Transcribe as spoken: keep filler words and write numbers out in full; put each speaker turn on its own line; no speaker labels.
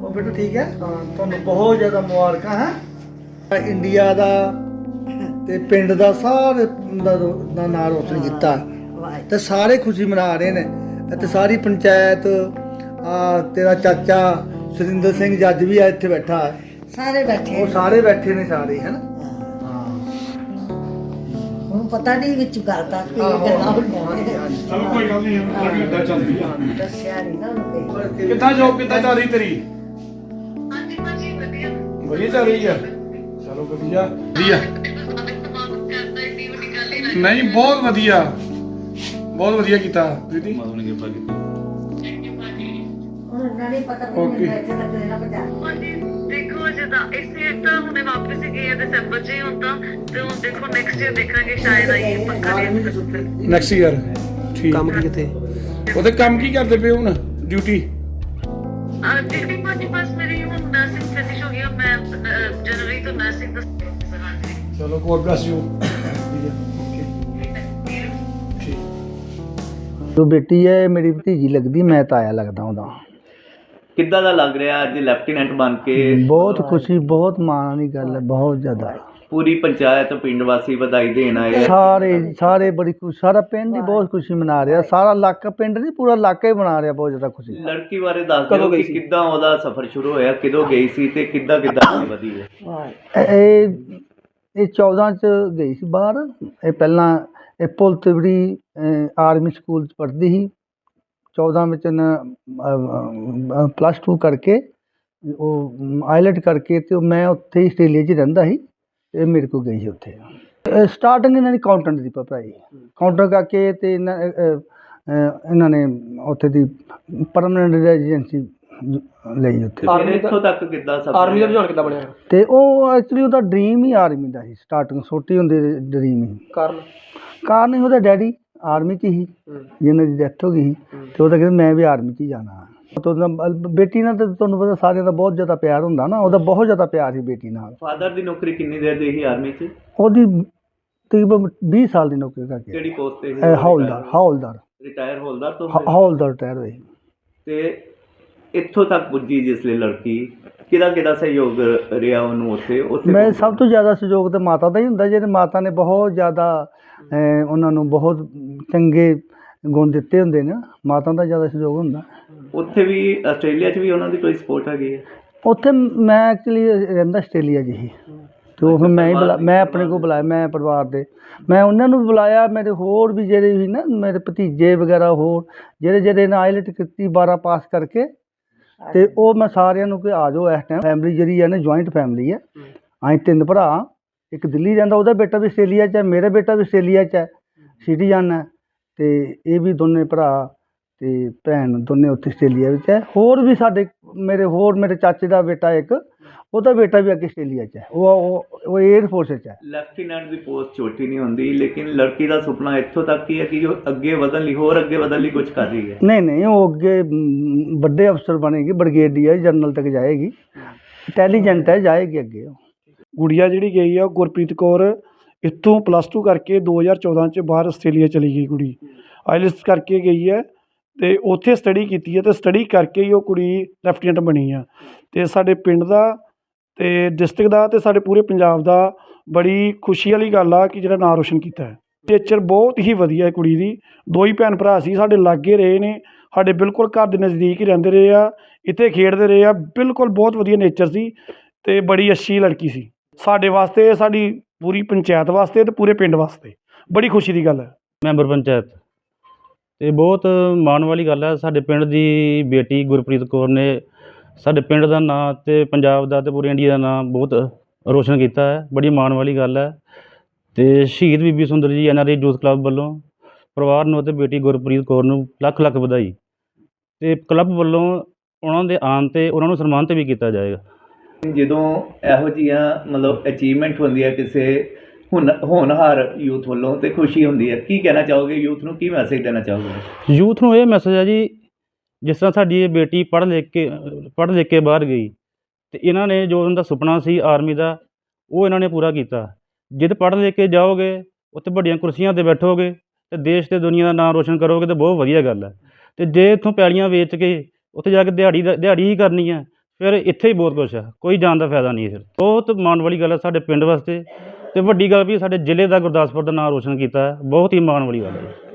ਉਹ ਬੇਟਾ ਠੀਕ ਹੈ ਹਾਂ ਤੁਹਾਨੂੰ ਬਹੁਤ ਜ਼ਿਆਦਾ ਮੁਬਾਰਕਾਂ ਹੈ ਇੰਡੀਆ ਦਾ ਤੇ ਪਿੰਡ ਦਾ ਸਾਰੇ ਦਾ ਦਾ ਨਾਂ ਰੋਸ਼ਨ ਕੀਤਾ ਤੇ ਸਾਰੇ ਖੁਸ਼ੀ ਮਨਾ ਰਹੇ ਨੇ ਤੇ ਸਾਰੀ ਪੰਚਾਇਤ ਆ ਤੇਰਾ ਚਾਚਾ ਸੁਰਿੰਦਰ ਸਿੰਘ ਜੱਜ ਵੀ ਆ ਇੱਥੇ ਬੈਠਾ ਹੈ
ਸਾਰੇ ਬੈਠੇ
ਉਹ ਸਾਰੇ ਬੈਠੇ ਨੇ ਸਾਰੇ ਹੈ ਨਾ
ਹੁਣ ਪਤਾ ਨਹੀਂ ਵਿੱਚ ਕਰਤਾ ਕੀ ਗੱਲਾਂ ਹੋਈਆਂ
ਚਲੋ ਕੋਈ ਗੱਲ ਨਹੀਂ ਲੱਗੀ ਇਦਾਂ ਚੱਲਦੀ ਆ
ਦੱਸਿਆ ਨਹੀਂ ਨਾ ਉਹਨੂੰ ਕੋਈ
ਕਿੱਦਾਂ ਜੋਬ ਕਿੱਦਾਂ ਚੱਲ ਰਹੀ ਤੇਰੀ
ਹਾਂਜੀ ਭਾਜੀ ਵਧੀਆ
ਵਧੀਆ ਚੱਲ ਰਹੀ ਆ ਚਲੋ ਵਧੀਆ ਵਧੀਆ ਨਹੀਂ ਬਹੁਤ ਵਧੀਆ ਬਹੁਤ ਵਧੀਆ ਕੀਤਾ ਦੀਦੀ
ਹੁਣ ਉਹਨਾਂ ਨੇ ਪਤਾ ਨਹੀਂ
Okay.
ਮੈਨੂੰ ਇੱਥੇ ਤੱਕ ਲੈਣਾ ਪਤਾ
ਹਾਂਜੀ ਦੇਖੋ ਜਦਾਂ ਇਸੇ ਤਾਂ ਹੁਣੇ ਵਾਪਸ ਹੀ ਗਏ ਆ ਦਸੰਬਰ ਚ ਹੀ ਹੁਣ ਤਾਂ ਤੇ ਹੁਣ ਦੇਖੋ ਨੈਕਸਟ ਈਅਰ ਦੇਖਾਂਗੇ ਸ਼ਾਇਦ ਆਈਏ ਪੱਕਾ ਨਹੀਂ
ਨੈਕਸਟ ਈਅਰ ਠੀਕ
ਕੰਮ ਕੀ ਕਿਤੇ
ਉਹਦੇ ਕੰਮ ਕੀ ਕਰਦੇ ਪਏ ਹੁਣ ਡਿਊਟੀ
ਆ ਜਿਹੜੀ ਭਾਜੀ ਬਸ ਮੇਰੀ ਹੁਣ ਨਰਸਿੰਗ ਫਿਨਿਸ਼ ਹੋ ਗਈ ਆ ਮੈਂ ਅਹ, ਜਨਵਰੀ ਤੋਂ ਨਰਸਿੰਗ ਦਾ ਹਾਂਜੀ
ਚਲੋ ਗੋਡ ਬlesਸ ਯੂ ਠੀਕ
ਜੋ ਬੇਟੀ ਹੈ ਮੇਰੀ ਭਤੀਜੀ ਲੱਗਦੀ ਮੈਂ ਤਾਇਆ ਲੱਗਦਾ ਉਹਦਾ
ਕਿੱਦਾਂ ਦਾ ਲੱਗ ਰਿਹਾ ਅੱਜ ਲੈਫਟੀਨੈਂਟ ਬਣ ਕੇ
ਬਹੁਤ ਖੁਸ਼ੀ ਬਹੁਤ ਮਾਣ ਵਾਲੀ ਗੱਲ ਹੈ ਬਹੁਤ ਜ਼ਿਆਦਾ
ਪੂਰੀ ਪੰਚਾਇਤ ਪਿੰਡ ਵਾਸੀ ਵਧਾਈ ਦੇਣ ਆਏ ਆ।
ਸਾਰੇ ਸਾਰੇ ਬੜੀ ਖੁਸ਼ੀ ਸਾਰਾ ਪਿੰਡ ਹੀ ਬਹੁਤ ਖੁਸ਼ੀ ਮਨਾ ਰਿਹਾ ਸਾਰਾ ਇਲਾਕਾ ਪਿੰਡ ਨਹੀਂ ਪੂਰਾ ਇਲਾਕਾ ਹੀ ਮਨਾ ਰਿਹਾ ਬਹੁਤ ਜ਼ਿਆਦਾ ਖੁਸ਼ੀ
ਲੜਕੀ ਬਾਰੇ ਦੱਸ ਦਿਓ ਕਿ ਕਿੱਦਾਂ ਉਹਦਾ ਸਫ਼ਰ ਸ਼ੁਰੂ ਹੋਇਆ ਕਿਦੋਂ ਗਈ ਸੀ ਤੇ ਕਿੱਦਾਂ ਕਿੱਦਾਂ ਅੱਗੇ ਵਧੀ ਹੈ
ਇਹ ਇਹ ਚੌਦਾਂ ਚ ਗਈ ਸੀ ਬਾਹਰ ਇਹ ਪਹਿਲਾਂ ਇਹ ਪੁਲ ਤਿਵੜੀ ਆਰਮੀ ਸਕੂਲ ਚ ਪੜ੍ਹਦੀ ਸੀ ਚੌਦਾਂ ਵਿੱਚ ਨਾ ਪਲੱਸ ਟੂ ਕਰਕੇ ਉਹ ਆਈਲੈਟ ਕਰਕੇ ਤੇ ਉਹ ਮੈਂ ਉੱਥੇ ਹੀ ਆਸਟ੍ਰੇਲੀਆ 'ਚ ਹੀ ਰਹਿੰਦਾ ਸੀ ਇਹ ਮੇਰੇ ਕੋਲ ਗਈ ਸੀ ਉੱਥੇ ਸਟਾਰਟਿੰਗ ਇਹਨਾਂ ਦੀ ਅਕਾਊਂਟੈਂਟ ਦੀ ਪੜ੍ਹਾਈ ਕਾਊਂਟਰ ਕਰਕੇ ਤੇ ਇਹਨਾਂ ਅਹ, ਅਹ, ਇਹਨਾਂ ਨੇ ਉੱਥੇ ਦੀ ਪਰਮਾਨੈਂਟ ਰੈਜ਼ੀਡੈਂਸੀ ਲਈ ਉੱਥੇ
ਫਿਰ ਇੱਥੋਂ ਤੱਕ ਕਿੱਦਾਂ ਸਫ਼ਰ
ਆਰਮੀ ਦਾ
ਰਿਹਾ?
ਰੁਝਾਨ ਕਿੱਦਾਂ ਬਣਿਆ
ਤੇ ਉਹ ਐਕਚੁਅਲੀ ਉਹਦਾ ਡ੍ਰੀਮ ਹੀ ਆਰਮੀ ਦਾ ਸੀ ਸਟਾਰਟਿੰਗ ਛੋਟੀ ਹੁੰਦੀ ਡ੍ਰੀਮ ਹੀ
ਕਾਰਨ
ਕਾਰਨ ਹੀ ਉਹਦਾ ਡੈਡੀ ਆਰਮੀ 'ਚ ਹੀ ਜਿਹਨਾਂ ਦੀ ਡੈਥ ਹੋ ਗਈ ਸੀ ਤੇ ਉਹ ਤਾਂ ਕਹਿੰਦਾ ਮੈਂ ਵੀ ਆਰਮੀ 'ਚ ਹੀ ਜਾਣਾ ਤੇ ਉਹਦਾ ਬੇਟੀ ਨਾਲ ਤਾਂ ਤੁਹਾਨੂੰ ਪਤਾ ਸਾਰਿਆਂ ਦਾ ਬਹੁਤ ਜ਼ਿਆਦਾ ਪਿਆਰ ਹੁੰਦਾ ਨਾ ਉਹਦਾ ਬਹੁਤ ਜ਼ਿਆਦਾ ਪਿਆਰ ਸੀ ਬੇਟੀ ਨਾਲ
ਫਾਦਰ ਦੀ ਨੌਕਰੀ ਕਿੰਨੀ ਦੇਰ ਦੀ ਸੀ ਆਰਮੀ 'ਚ
ਉਹਦੀ ਤਕਰੀਬਨ ਵੀਹ ਸਾਲ ਦੀ ਨੌਕਰੀ ਕਰਕੇ
ਕਿਹੜੀ ਪੋਸਟ ਤੇ
ਇਹ ਹੌਲਦਾਰ ਹੌਲਦਾਰ
ਰਿਟਾਇਰ ਹੌਲਦਾਰ ਤੋਂ
ਹ- ਹੌਲਦਾਰ ਰਿਟਾਇਰ ਹੋਈ
ਤੇ ਇੱਥੋਂ ਤੱਕ ਪੁੱਜੀ ਜਿਸ ਲਈ ਲੜਕੀ ਕਿਹਦਾ ਕਿਹਦਾ ਸਹਿਯੋਗ ਰਿਹਾ ਉਹਨੂੰ ਉੱਥੇ ਉੱਥੇ
ਮੈਂ ਸਭ ਤੋਂ ਜ਼ਿਆਦਾ ਸਹਿਯੋਗ ਤਾਂ ਮਾਤਾ ਦਾ ਹੀ ਹੁੰਦਾ ਜਿਹਦੇ ਮਾਤਾ ਨੇ ਬਹੁਤ ਜ਼ਿਆਦਾ ਅਹ, ਉਹਨਾਂ ਨੂੰ ਬਹੁਤ ਚੰਗੇ ਗੁਣ ਦਿੱਤੇ ਹੁੰਦੇ ਨੇ ਮਾਤਾ ਦਾ ਜ਼ਿਆਦਾ ਸਹਿਯੋਗ ਹੁੰਦਾ
ਉੱਥੇ ਵੀ ਆਸਟ੍ਰੇਲੀਆ 'ਚ ਵੀ ਉਹਨਾਂ ਦੀ ਕੋਈ ਸਪੋਰਟ ਹੈਗੀ ਹੈ
ਉੱਥੇ ਮੈਂ ਐਕਚੁਅਲੀ ਰਹਿੰਦਾ ਆਸਟ੍ਰੇਲੀਆ 'ਚ ਹੀ ਤੇ ਉਹ ਫਿਰ ਮੈਂ ਹੀ ਬੁਲਾ ਮੈਂ ਆਪਣੇ ਕੋਲ ਬੁਲਾਇਆ ਮੈਂ ਪਰਿਵਾਰ ਦੇ ਮੈਂ ਉਹਨਾਂ ਨੂੰ ਵੀ ਬੁਲਾਇਆ ਮੇਰੇ ਹੋਰ ਵੀ ਜਿਹੜੇ ਵੀ ਨਾ ਮੇਰੇ ਭਤੀਜੇ ਵਗੈਰਾ ਹੋਰ ਜਿਹੜੇ ਜਿਹੜੇ ਨੇ ਆਈਲੈਟ ਕੀਤੀ ਬਾਰਾਂ ਪਾਸ ਕਰਕੇ ਤੇ ਉਹ ਮੈਂ ਸਾਰਿਆਂ ਨੂੰ ਕਿ ਆ ਜਾਓ ਇਸ ਟਾਈਮ ਫੈਮਿਲੀ ਜਿਹੜੀ ਹੈ ਨਾ ਜੁਆਇੰਟ ਫੈਮਿਲੀ ਹੈ ਅਸੀਂ ਤਿੰਨ ਭਰਾ ਇੱਕ ਦਿੱਲੀ ਰਹਿੰਦਾ ਉਹਦਾ ਬੇਟਾ ਵੀ ਆਸਟ੍ਰੇਲੀਆ 'ਚ ਹੈ ਮੇਰਾ ਬੇਟਾ ਵੀ ਆਸਟ੍ਰੇਲੀਆ 'ਚ ਹੈ ਸਿਟੀਜ਼ਨ ਹੈ ਤੇ ਇਹ ਵੀ ਦੋਨੇ ਭਰਾ ਤੇ ਭੈਣ ਦੋਨੇ ਉੱਥੇ ਆਸਟ੍ਰੇਲੀਆ ਵਿੱਚ ਹੈ ਹੋਰ ਵੀ ਸਾਡੇ ਮੇਰੇ ਹੋਰ ਮੇਰੇ ਚਾਚੇ ਦਾ ਬੇਟਾ ਇੱਕ ਉਹਦਾ ਬੇਟਾ ਵੀ ਅੱਗੇ ਆਸਟ੍ਰੇਲੀਆ 'ਚ ਹੈ ਉਹ ਉਹ ਉਹ ਏਅਰ ਫੋਰਸ 'ਚ ਹੈ
ਲੈਫਟੀਨੈਂਟ ਦੀ ਪੋਸਟ ਛੋਟੀ ਨਹੀਂ ਹੁੰਦੀ ਲੇਕਿਨ ਲੜਕੀ ਦਾ ਸੁਪਨਾ ਇੱਥੋਂ ਤੱਕ ਹੀ ਹੈ ਕਿ ਉਹ ਅੱਗੇ ਵਧਣ ਲਈ ਹੋਰ ਅੱਗੇ ਵਧਣ ਲਈ ਕੁਝ ਕਰ ਰਹੀ ਹੈ
ਨਹੀਂ ਨਹੀਂ ਉਹ ਅੱਗੇ ਮ, ਵੱਡੇ ਅਫਸਰ ਬਣੇਗੀ ਬ੍ਰਿਗੇਡੀਅਰ ਜਨਰਲ ਤੱਕ ਜਾਏਗੀ ਇੰਟੈਲੀਜੈਂਟ ਹੈ ਜਾਏਗੀ ਅੱਗੇ ਉਹ
ਗੁੜੀਆ ਜਿਹੜੀ ਗਈ ਆ ਉਹ ਗੁਰਪ੍ਰੀਤ ਕੌਰ ਇੱਥੋਂ ਪਲੱਸ ਟੂ ਕਰਕੇ ਦੋ ਹਜ਼ਾਰ ਚੌਦਾਂ 'ਚ ਬਾਹਰ ਆਸਟ੍ਰੇਲੀਆ ਚਲੀ ਗਈ ਕੁੜੀ ਆਈਲੈਟਸ ਕਰਕੇ ਗਈ ਹੈ ਅਤੇ ਉੱਥੇ ਸਟੱਡੀ ਕੀਤੀ ਹੈ ਅਤੇ ਸਟੱਡੀ ਕਰਕੇ ਹੀ ਉਹ ਕੁੜੀ ਲੈਫਟੀਨੈਂਟ ਬਣੀ ਆ ਅਤੇ ਸਾਡੇ ਪਿੰਡ ਦਾ ਅਤੇ ਡਿਸਟ੍ਰਿਕਟ ਦਾ ਅਤੇ ਸਾਡੇ ਪੂਰੇ ਪੰਜਾਬ ਦਾ ਬੜੀ ਖੁਸ਼ੀ ਵਾਲੀ ਗੱਲ ਆ ਕਿ ਜਿਹੜਾ ਨਾਂ ਰੋਸ਼ਨ ਕੀਤਾ ਹੈ ਨੇਚਰ ਬਹੁਤ ਹੀ ਵਧੀਆ ਹੈ ਕੁੜੀ ਦੀ ਦੋ ਹੀ ਭੈਣ ਭਰਾ ਸੀ ਸਾਡੇ ਲਾਗੇ ਰਹੇ ਨੇ ਸਾਡੇ ਬਿਲਕੁਲ ਘਰ ਦੇ ਨਜ਼ਦੀਕ ਹੀ ਰਹਿੰਦੇ ਰਹੇ ਆ ਇੱਥੇ ਖੇਡਦੇ ਰਹੇ ਆ ਬਿਲਕੁਲ ਬਹੁਤ ਵਧੀਆ ਨੇਚਰ ਸੀ ਅਤੇ ਬੜੀ ਅੱਛੀ ਲੜਕੀ ਸੀ ਸਾਡੇ ਵਾਸਤੇ ਸਾਡੀ ਪੂਰੀ ਪੰਚਾਇਤ ਵਾਸਤੇ ਅਤੇ ਪੂਰੇ ਪਿੰਡ ਵਾਸਤੇ ਬੜੀ ਖੁਸ਼ੀ ਦੀ ਗੱਲ ਹੈ
ਮੈਂਬਰ ਪੰਚਾਇਤ ਅਤੇ ਬਹੁਤ ਮਾਣ ਵਾਲੀ ਗੱਲ ਹੈ ਸਾਡੇ ਪਿੰਡ ਦੀ ਬੇਟੀ ਗੁਰਪ੍ਰੀਤ ਕੌਰ ਨੇ ਸਾਡੇ ਪਿੰਡ ਦਾ ਨਾਂ ਅਤੇ ਪੰਜਾਬ ਦਾ ਅਤੇ ਪੂਰੇ ਇੰਡੀਆ ਦਾ ਨਾਂ ਬਹੁਤ ਰੋਸ਼ਨ ਕੀਤਾ ਹੈ ਬੜੀ ਮਾਣ ਵਾਲੀ ਗੱਲ ਹੈ ਅਤੇ ਸ਼ਹੀਦ Bibi Sundar ji N R I youth club ਵੱਲੋਂ ਪਰਿਵਾਰ ਨੂੰ ਅਤੇ ਬੇਟੀ ਗੁਰਪ੍ਰੀਤ ਕੌਰ ਨੂੰ ਲੱਖ ਲੱਖ ਵਧਾਈ ਅਤੇ ਕਲੱਬ ਵੱਲੋਂ ਉਹਨਾਂ ਦੇ ਆਉਣ 'ਤੇ ਉਹਨਾਂ ਨੂੰ ਸਨਮਾਨਿਤ ਵੀ ਕੀਤਾ ਜਾਏਗਾ
ਜਦੋਂ ਇਹੋ ਜਿਹੀਆਂ ਮਤਲਬ ਅਚੀਵਮੈਂਟ ਹੁੰਦੀ ਹੈ ਕਿਸੇ ਹੁਣ ਹੋਣਹਾਰ ਯੂਥ ਵੱਲੋਂ ਤੇ ਖੁਸ਼ੀ ਹੁੰਦੀ ਹੈ ਕੀ ਕਹਿਣਾ ਚਾਹੋਗੇ ਯੂਥ ਨੂੰ ਕੀ ਮੈਸੇਜ ਦੇਣਾ ਚਾਹੋਗੇ
ਯੂਥ ਨੂੰ ਇਹ ਮੈਸੇਜ ਹੈ ਜੀ ਜਿਸ ਤਰ੍ਹਾਂ ਸਾਡੀ ਇਹ ਬੇਟੀ ਪੜ੍ਹ ਲਿਖ ਕੇ ਪੜ੍ਹ ਲਿਖ ਕੇ ਬਾਹਰ ਗਈ ਅਤੇ ਇਹਨਾਂ ਨੇ ਜੋ ਉਹਨਾਂ ਦਾ ਸੁਪਨਾ ਸੀ ਆਰਮੀ ਦਾ ਉਹ ਇਹਨਾਂ ਨੇ ਪੂਰਾ ਕੀਤਾ ਜਿੱਦ ਪੜ੍ਹ ਲਿਖ ਕੇ ਜਾਓਗੇ ਉੱਥੇ ਵੱਡੀਆਂ ਕੁਰਸੀਆਂ 'ਤੇ ਬੈਠੋਗੇ ਅਤੇ ਦੇਸ਼ ਅਤੇ ਦੁਨੀਆ ਦਾ ਨਾਮ ਰੋਸ਼ਨ ਕਰੋਗੇ ਤਾਂ ਬਹੁਤ ਵਧੀਆ ਗੱਲ ਹੈ ਅਤੇ ਜੇ ਇੱਥੋਂ ਪੈਲੀਆਂ ਵੇਚ ਕੇ ਉੱਥੇ ਜਾ ਕੇ ਦਿਹਾੜੀ ਦਾ ਦਿਹਾੜੀ ਹੀ ਕਰਨੀ ਹੈ ਫਿਰ ਇੱਥੇ ਹੀ ਬਹੁਤ ਕੁਛ ਹੈ, ਕੋਈ ਜਾਣ ਦਾ ਫਾਇਦਾ ਨਹੀਂ ਹੈ। ਫਿਰ ਬਹੁਤ ਮਾਣ ਵਾਲੀ ਗੱਲ ਹੈ ਸਾਡੇ ਪਿੰਡ ਵਾਸਤੇ, ਅਤੇ ਵੱਡੀ ਗੱਲ ਵੀ ਸਾਡੇ ਜ਼ਿਲ੍ਹੇ ਦਾ ਗੁਰਦਾਸਪੁਰ ਦਾ ਨਾਮ ਰੋਸ਼ਨ ਕੀਤਾ ਹੈ। ਬਹੁਤ ਹੀ ਮਾਣ ਵਾਲੀ ਗੱਲ ਹੈ।